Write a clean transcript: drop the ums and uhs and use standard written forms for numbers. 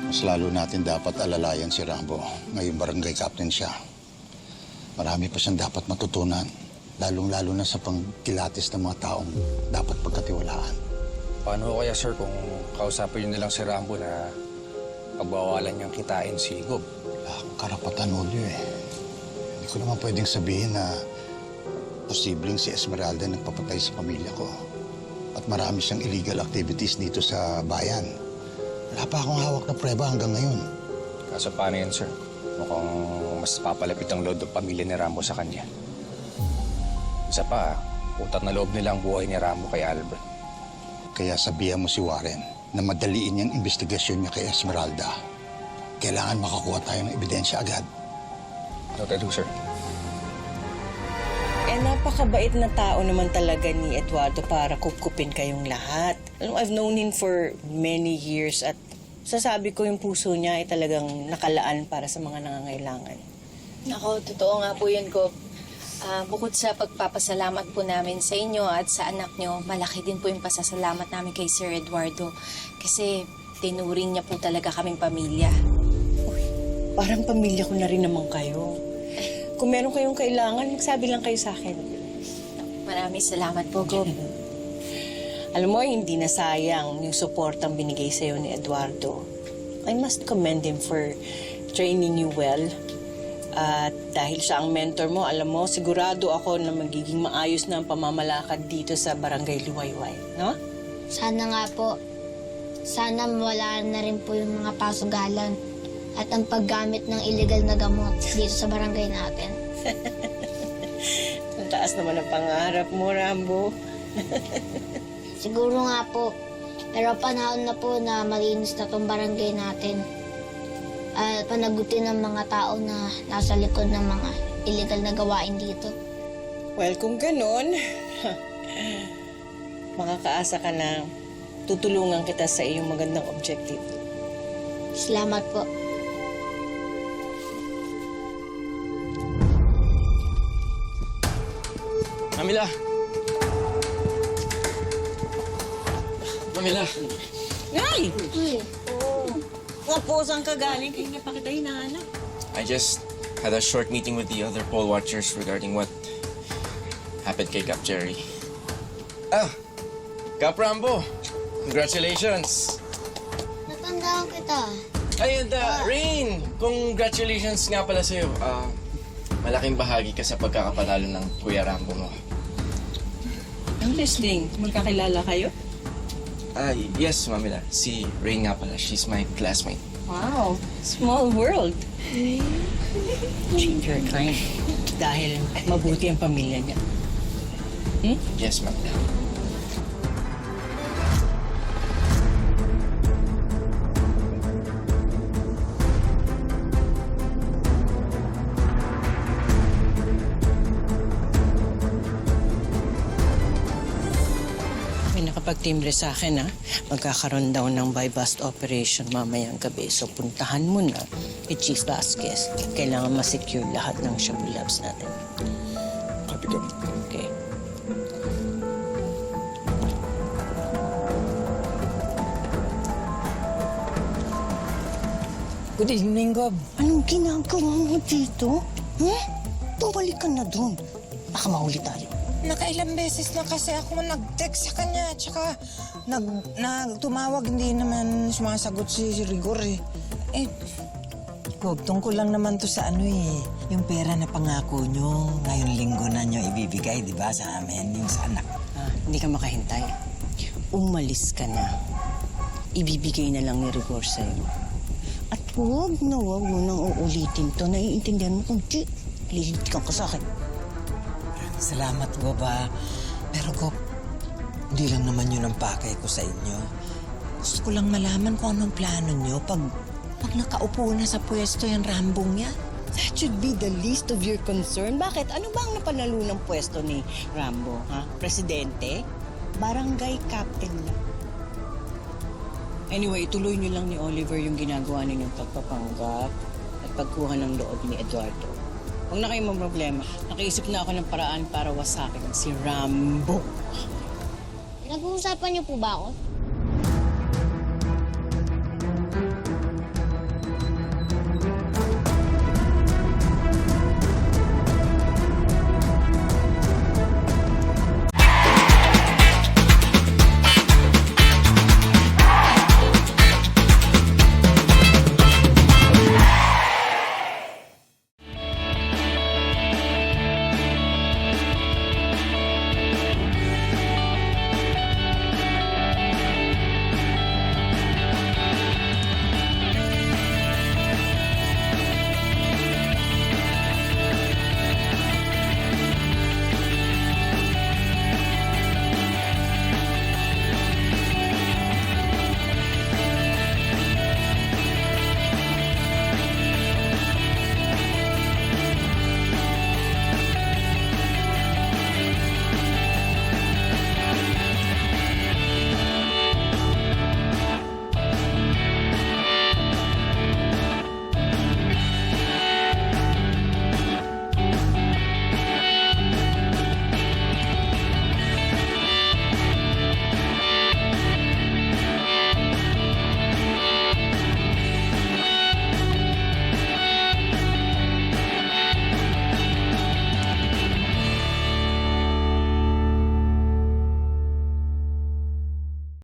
Mas lalo natin dapat alalayan si Rambo. Ngayon barangay captain siya. Marami pa siyang dapat matutunan. Lalong-lalo na sa pangkilatis ng mga taong dapat pagkatiwalaan. Paano kaya, sir, kung kausapin niyo nilang si Rambo na pagbawalan niyang kitain si Gob? Wala akong karapatan, Julio eh. Hindi ko naman pwedeng sabihin na posibleng si Esmeralda nagpapatay sa pamilya ko. At marami siyang illegal activities dito sa bayan. Wala pa akong hawak na prueba hanggang ngayon. Kaso paano yan, sir? Mukhang mas papalapit ang loob ng pamilya ni Rambo sa kanya. Isa pa, utat na loob nila ang buhay ni Rambo kay Albert. Kaya sabihan mo si Warren na madaliin niyang investigasyon niya kay Esmeralda. Kailangan makakuha tayo ng ebidensya agad. Noted, sir. Napakabait na tao naman talaga ni Eduardo para kupkupin kayong lahat. Alam mo, I've known him for many years at sasabi ko yung puso niya ay talagang nakalaan para sa mga nangangailangan. Ako, totoo nga po yun, Gob. Bukod sa pagpapasalamat po namin sa inyo at sa anak nyo, malaki din po yung pasasalamat namin kay Sir Eduardo. Kasi tinuring niya po talaga kaming pamilya. Uy, parang pamilya ko na rin naman kayo. Kung meron kayong kailangan, magsabi lang kayo sa akin. Maraming salamat po, Gob. Alam mo, hindi na sayang yung supportang binigay sa'yo ni Eduardo. I must commend him for training you well. At dahil siya ang mentor mo, alam mo, sigurado ako na magiging maayos na ang pamamalakad dito sa Barangay Luwayway, no? Sana nga po. Sana mawala na rin po yung mga pasugalan at ang paggamit ng illegal na gamot dito sa barangay natin. Ang taas naman ang pangarap mo, Rambo. Siguro nga po. Pero panahon na po na malinis na tong barangay natin. At panagutin ng mga tao na nasa likod ng mga illegal na gawain dito. Well, kung ganun, makakaasa ka na tutulungan kita sa iyong magandang objective. Salamat po. Mamila! Mamila! Nay! Nga saan ka galing? Kaya nga pa kita hinahanap. I just had a short meeting with the other poll watchers regarding what happened kay Cap Jerry. Cap Rambo! Congratulations! Natandaan kita. Ay, and Rain! Congratulations nga pala sa'yo. Malaking bahagi ka sa pagkakapanalo ng Kuya Rambo mo. Ang listening, magkakilala kayo? Yes, Mamila. Si Rain nga pala. She's my classmate. Wow, small world. Change your kind. Dahil mabuti ang pamilya niya. Yes, Mamila. Nakapag-timbre sa akin, ha? Magkakaroon daw ng buy-bust operation mamayang gabi. So, puntahan mo na kay Chief Vasquez. Kailangan ma-secure lahat ng Shabu Labs natin. Copy ko. Okay. Good evening, Gob. Anong ginagawa mo dito? Bumalik ka na doon. Baka mahuli tayo. Nakailang beses na kasi ako nag-text sa kanya. Tsaka tumawag, hindi naman sumasagot si Rigor eh. Gob, tungkol lang naman to sa yung pera na pangako nyo. Ngayong linggo na nyo ibibigay, di ba, sa amin, yung sa anak. Hindi ka makahintay. Umalis ka na. Ibibigay na lang ni Rigor sa'yo. At huwag mo nang uulitin to. Naiintindihan mo kung lilintikan ka sa akin. Salamat, Gob, Pero, Gob, hindi lang naman yun ang pakay ko sa inyo. Gusto ko lang malaman kung anong plano nyo pag nakaupo na sa pwesto yung Rambong yan. That should be the least of your concern. Bakit? Ano ba ang napanalo ng pwesto ni Rambo? Ha? Presidente? Barangay captain lang. Anyway, tuloy niyo lang ni Oliver yung ginagawa ninyong pagpapanggap at pagkuha ng loob ni Eduardo. Huwag na kayong problema. Nakaisip na ako ng paraan para wasakin si Rambo. Nag-uusapan niyo po ba ako?